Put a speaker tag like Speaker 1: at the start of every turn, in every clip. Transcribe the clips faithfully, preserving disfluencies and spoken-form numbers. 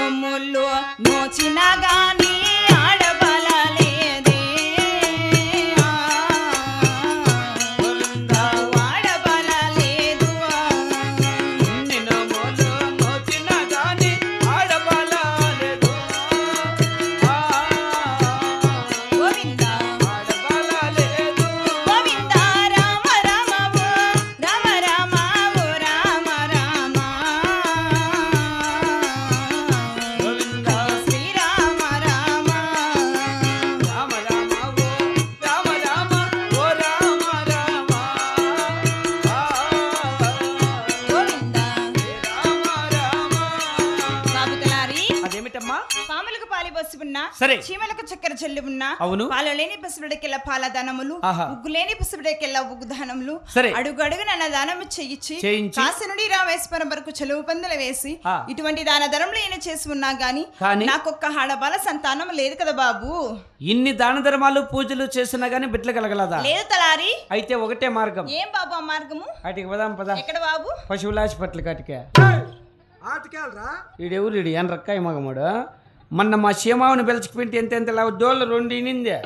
Speaker 1: నోములు నోచిన గాని ఆడబలలేదే ఆడబలలేదు
Speaker 2: ఇన్ని నోములు నోచిన గాని ఆడబలలేదు
Speaker 1: గోవింద
Speaker 2: ఆడబలలేదు
Speaker 1: గోవింద రామ రామవు రామ రామవు రామ రామ
Speaker 2: గోవింద
Speaker 1: శ్రీరామ రామ
Speaker 2: రామ రామ ఓ రామ రామ ఓ రామ రామ
Speaker 1: గోవింద
Speaker 2: రామ రామ
Speaker 1: బాబు తలారి
Speaker 2: అదేమిటమ్మా
Speaker 1: పాములకు పాలి బస్సు ఉన్నా
Speaker 2: సరే.
Speaker 1: చీమలకు చక్కెర చెల్లి ఉన్నా
Speaker 2: అవును.
Speaker 1: పాలు లేని పసుపుడికెళ్ళ పాల దానములు
Speaker 2: ఆహా.
Speaker 1: ఉగ్గు లేని పసుపుడికెళ్ళ ఉగ్గు దానములు
Speaker 2: సరే.
Speaker 1: అడుగు అడుగు నన్న దానము చేయించి
Speaker 2: చేయించి.
Speaker 1: కాశీ నుండి రామేశ్వరం వరకు చెలువు పందులు వేసి
Speaker 2: ఆ.
Speaker 1: ఇటువంటి దాన ధరములు ఈయన చేసి ఉన్నా గాని
Speaker 2: కానీ?
Speaker 1: నాకొక్క ఆడబాల సంతానం లేదు కదా బాబు
Speaker 2: ఇన్ని దాన ధర్మాలు పూజలు చేసినా గానీ బిడ్డలు కలగలదా
Speaker 1: లేదు తలారి
Speaker 2: అయితే ఒకటే మార్గం
Speaker 1: ఏం బాబు ఆ మార్గము
Speaker 2: అటుకి పదాం పద
Speaker 1: ఎక్కడ బాబు
Speaker 2: పశువుల హాస్పిటల్ కాటికే
Speaker 3: ఆటకెళ్ళరా
Speaker 2: ఈడెవరు ఈడు ఏం రక్కాయి మగముడు మొన్న మా సీమావుని పిలిచిపోయింటే ఎంత ఎంత దోళ్ళు రెండు ఇనిందే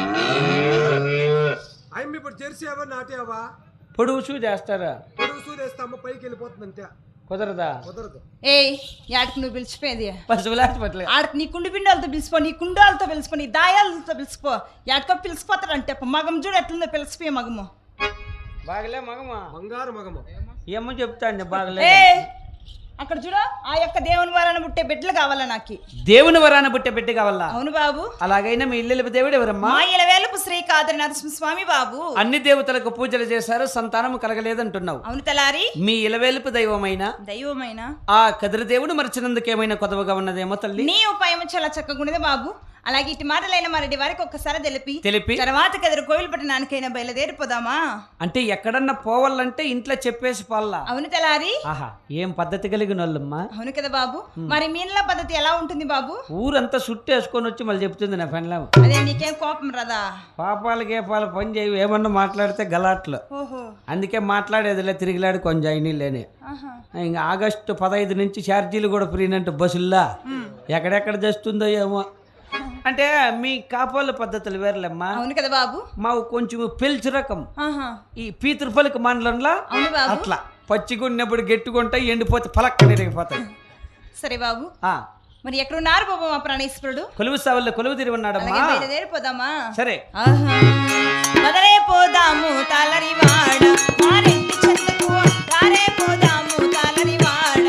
Speaker 3: అయ్యి ఇప్పుడు జెర్సీవా నాటేవా
Speaker 2: పొడుగు చూ చేస్తారా
Speaker 3: పొడుగు సూదేస్తాము పైకి వెళ్ళిపోతుంది అంతే
Speaker 2: కుదరదా
Speaker 3: కుదరదు
Speaker 1: ఏయ్ యాడికి నువ్వు పిలిచిపోయేది
Speaker 2: పశువుల హాస్పిటల్
Speaker 1: ఆడకి నీ కుండి పిండాలతో పిలిచిపో నీ కుండాలతో పిలిచిపో నీ దాయాలతో పిలిచిపో ఎక్కడికో పిలిచిపోతాడంటే మగం చూడు ఎట్లుందో పిలిచిపోయే మగము
Speaker 2: బాగలే మగమా
Speaker 3: బంగారు మగము
Speaker 2: ఏమో చెప్తాండి బాగలే
Speaker 1: ఏ అక్కడ చూడు ఆ యొక్క దేవుని వలన పుట్టే బిడ్డలు కావాలా నాకు
Speaker 2: దేవుని వరాన పుట్టే బిడ్డ కావాలా
Speaker 1: అవును బాబు
Speaker 2: అలాగైనా మీ ఇల్లు దేవుడు ఎవరమ్మా
Speaker 1: మా ఇలవేలుపు శ్రీ కాదరి నరసింహస్వామి బాబు
Speaker 2: అన్ని దేవతలకు పూజలు చేశారు సంతానం కలగలేదంటున్నావు
Speaker 1: అవును తలారి
Speaker 2: మీ ఇలవేలుపు దైవమైన
Speaker 1: దైవమైన
Speaker 2: ఆ కదిరి దేవుడు మరిచినందుకేమైనా కొదవగా ఉన్నదేమో తల్లి
Speaker 1: నీ ఉపాయం చాలా చక్కగా ఉన్నది బాబు అలాగే ఇటు మాటలైన మరటి వారికి ఒక్కసారి తెలిపి
Speaker 2: తెలిపి
Speaker 1: తర్వాత కదిరి కోవిల పట్టణానికైనా బయలుదేరిపోదామా
Speaker 2: అంటే ఎక్కడన్నా పోవాలంటే ఇంట్లో చెప్పేసి పోల్లా
Speaker 1: అవును తలారి
Speaker 2: ఆహా ఏం పద్ధతి కలిగిన వాళ్ళమ్మా
Speaker 1: అవును కదా బాబు మరి మీన్ల పద్ధతి ఎలా ఉంటుంది బాబు
Speaker 2: ఊరంతా సుట్టేసుకొని వచ్చి మళ్ళీ చెప్తుంది నా ఫ్రెండ్లా
Speaker 1: అదే నీకేం కోపం రాదా
Speaker 2: పాపాలు గేపాలు పని చేయవు ఏమన్నా మాట్లాడితే గలాట్లు
Speaker 1: ఓహో
Speaker 2: అందుకే మాట్లాడేదిలే తిరిగిలాడు కొంచెం అయినా లేని
Speaker 1: ఆహా
Speaker 2: ఇంకా ఆగస్టు పదహైదు నుంచి ఛార్జీలు కూడా ఫ్రీనంటే బస్సుల్లా ఎక్కడెక్కడ చేస్తుందో ఏమో అంటే మీ కాపాల పద్ధతులు వేర్లేమ్మా
Speaker 1: అవును కదా బాబు
Speaker 2: మాకు కొంచెం పిల్చి రకం
Speaker 1: ఆహా
Speaker 2: ఈ పీతృపలికి మండలంలో
Speaker 1: అవును బాబు
Speaker 2: అట్లా పచ్చిగున్నప్పుడు గట్టిగుంటాయి ఎండిపోతే పలక్కని ఇరిగిపోతాయి
Speaker 1: సరే బాబు
Speaker 2: ఆ
Speaker 1: మరి ఎక్కడున్నారు బాబు మా ప్రాణేశ్వరుడు
Speaker 2: కొలువు సావుల్లో కొలువు తిరిగి ఉన్నాడమ్మా
Speaker 1: అలాగే బయలుదేరిపోదామా
Speaker 2: సరే
Speaker 1: ఆహా మొదలై పోదాము తాళరి వాడ మారెంటి చెందుకు తారే పోదాము తాళరి వాడ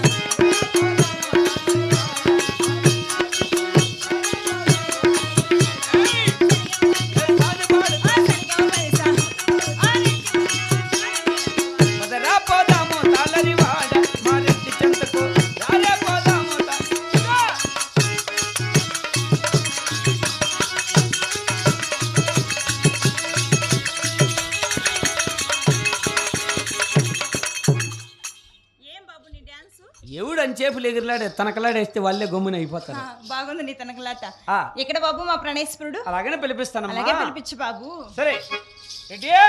Speaker 2: మొదలా పోదాము తాళరి వాడ మారెట్టి చెంతకు రాలే పోదాము తా-
Speaker 1: ఏం బాబు నీ డాన్స్
Speaker 2: ఎవడు అని చేపులు ఎగిరిలాడే తనకలాడేస్తే వాళ్ళే గమ్మున అయిపోతారు
Speaker 1: బాగుంది నీ తనకలాట
Speaker 2: ఆ,
Speaker 1: ఎక్కడ బాబు మా ప్రాణేశ్వరుడు
Speaker 2: అలాగనే
Speaker 1: అలాగే
Speaker 2: పిలిపిస్తానమ్మా
Speaker 1: పిలిపించు బాబు
Speaker 2: సరే రెడీయా?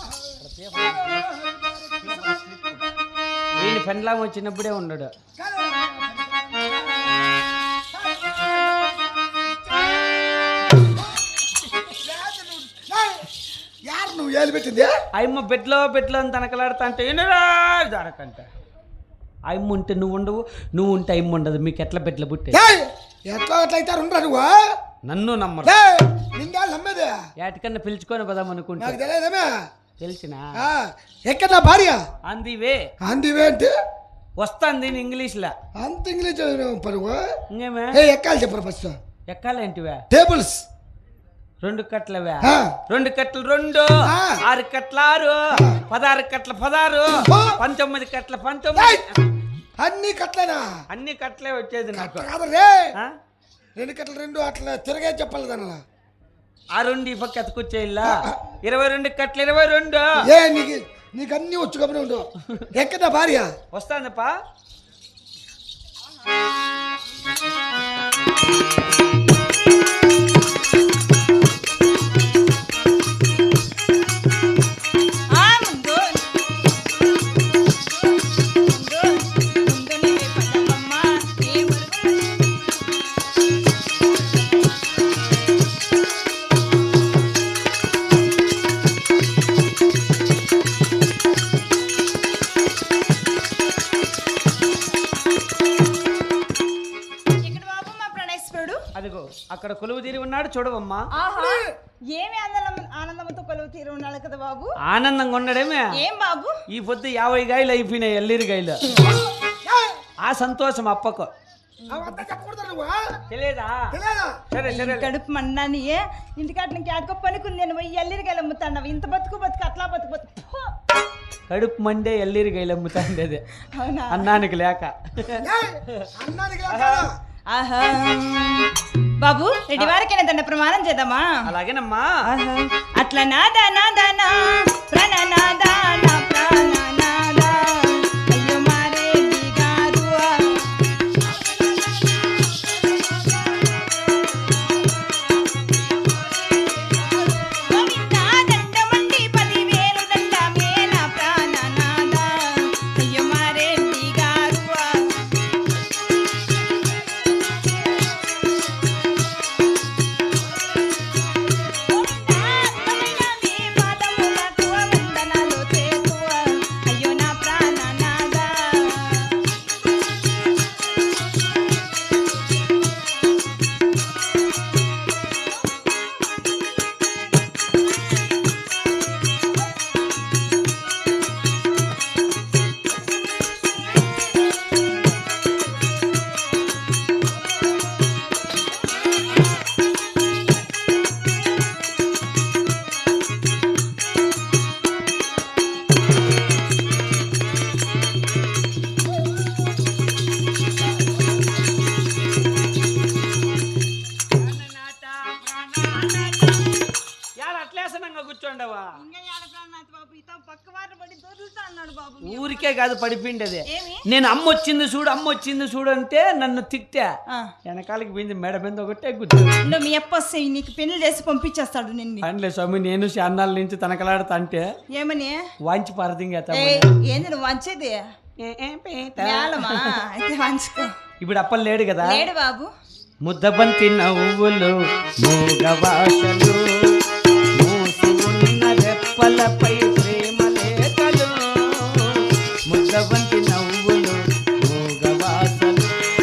Speaker 2: వీని పెండ్లాం వచ్చినప్పుడే ఉన్నాడు
Speaker 3: యారు నువ్వు ఏలు పెట్టింది
Speaker 2: అయ్యమ్మ బెడ్లో బెడ్లో అని తనకలాడుతా అంటే ఏనరా దారకంట అయ్యమ్మ ఉంటే నువ్వు ఉండవు నువ్వు ఉంటే అయ్యమ్మ ఉండదు మీకు ఎట్లా బెడ్ల పుట్టే
Speaker 3: ఏయ్, ఎట్లా ఎట్లా అయితే ఉండరా నువ్వు
Speaker 2: నన్ను నమ్మరు
Speaker 3: ఏయ్, నిండా నమ్మేది
Speaker 2: ఏటికన్నా పిలుచుకొని పోదాం అనుకుంటా
Speaker 3: నాకు తెలియదేమే
Speaker 2: తెలిసినా
Speaker 3: ఆ, ఎక్కడ నా భార్య
Speaker 2: అందివే
Speaker 3: అందివే అంటే
Speaker 2: వస్తాంది ఇంగ్లీష్లా
Speaker 3: అంత ఇంగ్లీష్ పరువు
Speaker 2: ఇంకేమే
Speaker 3: ఏ ఎక్కాలి చెప్పరు ఫస్ట్
Speaker 2: ఎక్కాలేంటివే
Speaker 3: టేబుల్స్
Speaker 2: రెండు కట్లవే
Speaker 3: ఆ,
Speaker 2: రెండు కట్టలు రెండు
Speaker 3: ఆ.
Speaker 2: ఆరు కట్ల ఆరు పదహారు కట్ల పదహారు
Speaker 3: ఆ.
Speaker 2: పంతొమ్మిది కట్ల
Speaker 3: ఏయ్,
Speaker 2: పంతొమ్మిది
Speaker 3: అన్ని కట్లేనా
Speaker 2: అన్ని కట్లే వచ్చేది నాకు
Speaker 3: కాదు రే
Speaker 2: ఆ?
Speaker 3: రెండు కట్టలు రెండు అట్లా తిరగే చెప్పాలి దానిలా
Speaker 2: ఆ రెండు ఈ పక్క ఎత్తుకొచ్చేయిల్లా ఇరవై రెండు కట్ల ఇరవై రెండు
Speaker 3: ఏ నీకు నీకు అన్ని వచ్చు కబురు ఉండు ఎక్కడ నా భార్య
Speaker 2: వస్తాందప్పా
Speaker 1: ఆ ముందు ముందు ముందు నీవే పదమ్మా ఏ మురుగులు
Speaker 2: అదిగో అక్కడ కొలువు తీరి ఉన్నాడు చూడవమ్మా.
Speaker 1: ఆహా ఏమి ఆనందం ఆనందంతో కొలువు తీరు ఉండాలి కదా బాబు.
Speaker 2: ఆనందంగా ఉండడమే.
Speaker 1: ఏం బాబు
Speaker 2: ఈ పొద్దు యాభై గాయలు అయిపోయినాయి ఎల్లిరి గాయలు. ఆ సంతోషం అప్పకు
Speaker 3: అవంతా చెప్పకూడదు నువ్వు
Speaker 2: తెలియదా?
Speaker 3: తెలియదా?
Speaker 2: సరే సరే
Speaker 1: కడుపు మండాని ఇంటికాట నీకు ఆడుకో పనుకుంది నేను పోయి ఎల్లిరికాయలు అమ్ముతాను. ఇంత బతుకు బతుకు అట్లా బతుకు బతుకు ఫు.
Speaker 2: కడుపు మండే ఎల్లిరి గాయలు అమ్ముతాండేది
Speaker 1: అవునా
Speaker 2: అన్నానికి లేక.
Speaker 3: ఏయ్, అన్నానికి లేక
Speaker 1: ఆహా బాబు రెడ్డి వారికైనా దండ ప్రమాణం చేద్దామా?
Speaker 2: అలాగేనమ్మా.
Speaker 1: ఆహా. అట్లా నాదా నాదా నా ప్రాణ నాదా నా ప్రాణ నాదా అయ్యో మారే దిగారు గోవిందా దండమండి పదివేలు దండమే నా ప్రాణ నాదా అయ్యో మారే దిగారు అయ్యో నా ప్రాణ నాదా
Speaker 2: యాడ అట్లేసనంగా కూర్చోండవా? ఊరికే కాదు పడిపిండేది.
Speaker 1: ఏమి?
Speaker 2: నేను అమ్మ వచ్చింది చూడు అమ్మ వచ్చింది చూడు అంటే నన్ను తిట్టా.
Speaker 1: ఆ.
Speaker 2: వెనకాలకి పోయింది మెడ మీద ఒకటే కూర్చో.
Speaker 1: నువ్వు మీ అప్ప వస్తే నీకు పెళ్లి చేసి పంపించేస్తాడు నిన్ను.
Speaker 2: అండ్లే స్వామి నేను శాన్నాల నుంచి తనకలాడుతా అంటే
Speaker 1: ఏమని
Speaker 2: వాంచి పారదింగేత.
Speaker 1: ఏయ్, ఏంది నువ్వు వంచేది మేళమా అయితే వంచుకో.
Speaker 2: ఇప్పుడు అప్పలు లేడు కదా.
Speaker 1: లేడు బాబు.
Speaker 2: ముద్దబంతి నవ్వులు మూగవాసలు మూసి ఉన్న రెప్పలపై ప్రేమ లేఖలు. ముద్దబంతి నవ్వులు మూగవాసలు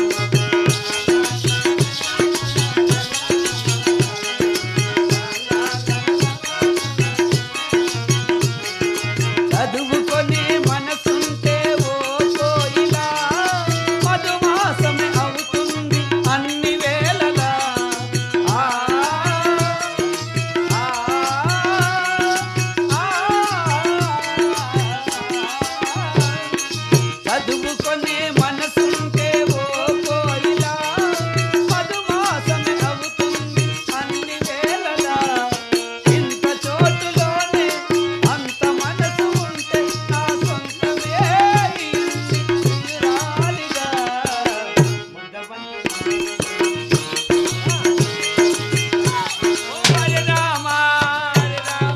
Speaker 2: చదువుకొని మనసుంటే ఓ కోయిలా మధుమాసమే అవుతుంది అన్ని వేళలా. ఆ ఆ ఆ చదువుకొని మనసుంటే ఓ కోయిలా మధుమాసమే అవుతుంది అన్ని వేళలా. ఇంత చోటులోనే అంత మనసు ఉంటే నా సొంతమే తీరాలిగా. ముద్దబంతి ఓ హరి రామ హరి రామ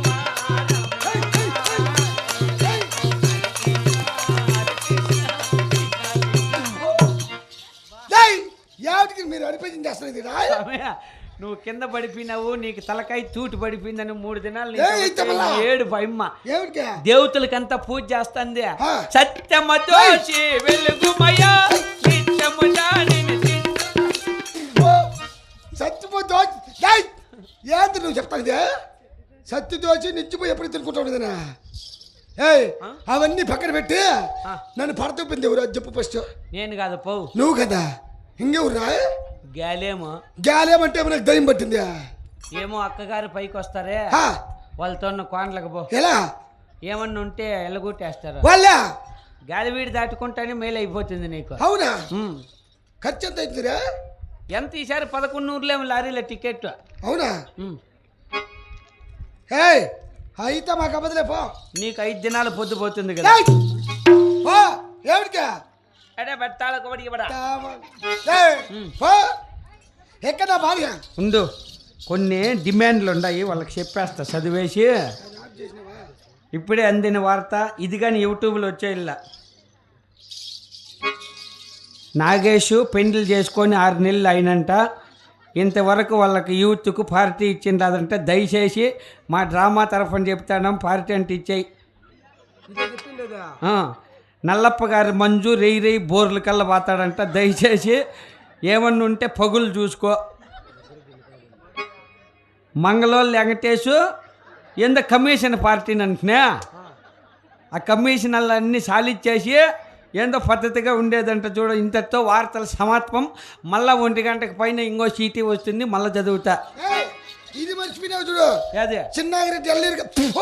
Speaker 3: ఏయ్, ఏమిటికి మీరు అనిపించింది చేస్తున్నారు ఇది రా?
Speaker 2: రామయ్య, నువ్వు కింద పడిపోయినావు నీకు తలకాయ తూటి పడిపోయిందని మూడు దినాలు
Speaker 3: ఏయ్,
Speaker 2: నీకు
Speaker 3: ఇత్తమలా.
Speaker 2: ఏడు పైమ్మ
Speaker 3: ఏమిటికి
Speaker 2: దేవతలకంతా పూజ చేస్తుంది.
Speaker 3: ఆ.
Speaker 2: సత్యమతోచి వెలుగుమయ్యా నిత్యము దానిని చింత.
Speaker 3: ఓ, సత్యపోతే ఏయ్, ఏంటి నువ్వు చెప్తాను ఇదే సత్య దోచి నిచ్చిపోయి ఎప్పుడు తినుకుంటావు ఇదనా? ఏయ్, అవన్నీ పక్కన పెట్టి
Speaker 2: ఆ.
Speaker 3: నన్ను పడతూపింది ఎవరు అది చెప్పు ఫస్ట్.
Speaker 2: నేను కాదు పో
Speaker 3: నువ్వు కదా ఇంకెవరు రా?
Speaker 2: గాలేమో
Speaker 3: గాలేమంటే మనకు దయ్యం పట్టింది.
Speaker 2: ఏమో అక్కగారు పైకి వస్తారే
Speaker 3: ఆ,
Speaker 2: వాళ్ళతో కోండ్లకు పో.
Speaker 3: ఎలా
Speaker 2: ఏమన్నా ఉంటే ఎల్లగొట్టేస్తారు.
Speaker 3: వాళ్ళ
Speaker 2: గాలి వీడి దాటుకుంటానే మేలు అయిపోతుంది నీకు.
Speaker 3: అవునా?
Speaker 2: ఉమ్.
Speaker 3: ఖర్చు ఎంత అవుతుందిరా?
Speaker 2: ఎంత ఈసారి పదకొండు నూరులేమో లారీల టికెట్.
Speaker 3: అవునా?
Speaker 2: ఉమ్.
Speaker 3: ఏయ్, అయితే మాకు అబద్ధలే పో.
Speaker 2: నీకు ఐదు దినాలు పొద్దు పోతుంది కదా.
Speaker 3: ఏయ్, పో ఏమిటికా?
Speaker 2: అడే బెత్తాలకు పడి ఇవ్వడా.
Speaker 3: ఏయ్, పో. ఎక్కడ నా భార్య?
Speaker 2: ఉండు కొన్ని డిమాండ్లు ఉన్నాయి వాళ్ళకి చెప్పేస్తా చదివేసి. ఇప్పుడే అందిన వార్త ఇది కానీ యూట్యూబ్లో వచ్చేలా. నాగేష్ పెండ్లు చేసుకొని ఆరు నెలలు అయినంట. ఇంతవరకు వాళ్ళకి యూత్కు పార్టీ ఇచ్చింది అదంటే దయచేసి మా డ్రామా తరఫున చెప్తాను పార్టీ అంటే ఇచ్చేయి. ఆ, నల్లప్ప గారి మంజు రెయ్యి రెయ్యి బోర్లు కల్లా పోతాడంట. దయచేసి ఏమన్నా ఉంటే పగులు చూసుకో. మంగళోళ్ళు వెంకటేశు ఎంత కమిషన్ పార్టీని అంటున్నా ఆ కమిషనర్లన్నీ సాలిచ్చేసి ఏందో పద్ధతిగా ఉండేదంట చూడు. ఇంతతో వార్తల సమాత్మం. మళ్ళా ఒంటి గంటకు పైన ఇంకో సీటీ వస్తుంది, మళ్ళీ చదువుతా.
Speaker 3: ఏయ్, ఇది మర్చిపోయినావు చూడు.
Speaker 2: అదే
Speaker 3: చిన్నాగిరెడ్డి అల్లీరు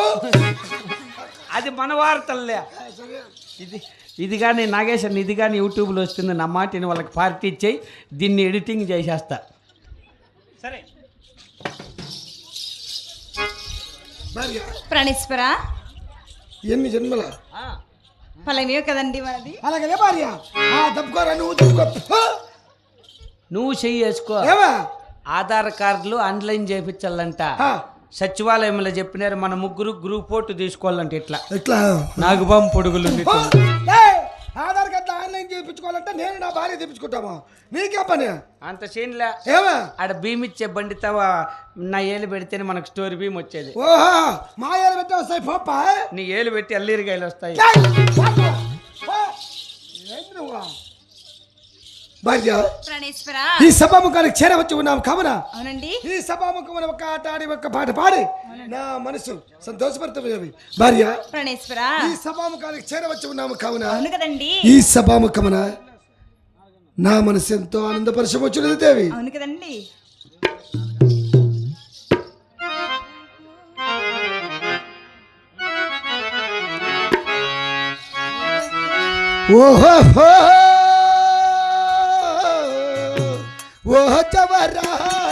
Speaker 2: అది మన వార్తల్లే. ఇది ఇది కానీ నాగేశ్వరన్ ఇది కానీ యూట్యూబ్లో వస్తుంది. నా మాటిని వాళ్ళకి పార్టీ ఇచ్చేయి, దీన్ని ఎడిటింగ్ చేసేస్తా. సరే
Speaker 3: భార్య
Speaker 1: ప్రాణేశ్వర
Speaker 3: ఎన్ని జన్మల
Speaker 1: ఫలమే కదండి మనది.
Speaker 3: అలాగే భార్య దప్పుకోరా నువ్వు దప్పుకో.
Speaker 2: నువ్వు చెయ్యి వేసుకో.
Speaker 3: ఏమా
Speaker 2: ఆధార్ కార్డులు ఆన్లైన్ చేయించాలంట. సచివాలయంలో చెప్పినారు మన ముగ్గురు గ్రూప్ ఫోటో తీసుకోవాలంటే ఇట్లా
Speaker 3: ఎట్లా
Speaker 2: నాగుబాం పొడుగులు
Speaker 3: ఏయ్, ఆధార్ కార్డు ఆన్లైన్ చేయించుకోవాలంటే నేను నా భార్య తెప్పించుకుంటాము. నీకే పని
Speaker 2: అంత సీన్లే.
Speaker 3: ఏమా
Speaker 2: ఆడ భీమ్ ఇచ్చే బండి తవా నా ఏలు పెడితేనే మనకు స్టోరీ భీమ్ వచ్చేది.
Speaker 3: ఓహో మా ఏళ్ళు పెట్టే వస్తాయి పోప్పా.
Speaker 2: నీ ఏలు పెట్టి అల్లీరికాయలు వస్తాయి.
Speaker 3: భార్య
Speaker 1: ప్రాణేశ్వర
Speaker 3: ఈ సభాముఖానికి చేరవచ్చి ఉన్నాం కావున
Speaker 1: అవునండి.
Speaker 3: ఈ సభాముఖమున ఒక ఆట ఆడి ఒక పాట పాడి నా మనసు సంతోషపడుతుంది. భార్య
Speaker 1: ప్రాణేశ్వర
Speaker 3: ఈ సభాముఖానికి చేరవచ్చి ఉన్నాము కావున
Speaker 1: అవును కదండి.
Speaker 3: ఈ సభాముఖమున నా మనసు ఎంతో ఆనందపరచవచ్చున్నది దేవి.
Speaker 1: అవును కదండి.
Speaker 3: ఓహో ఓహో చవరా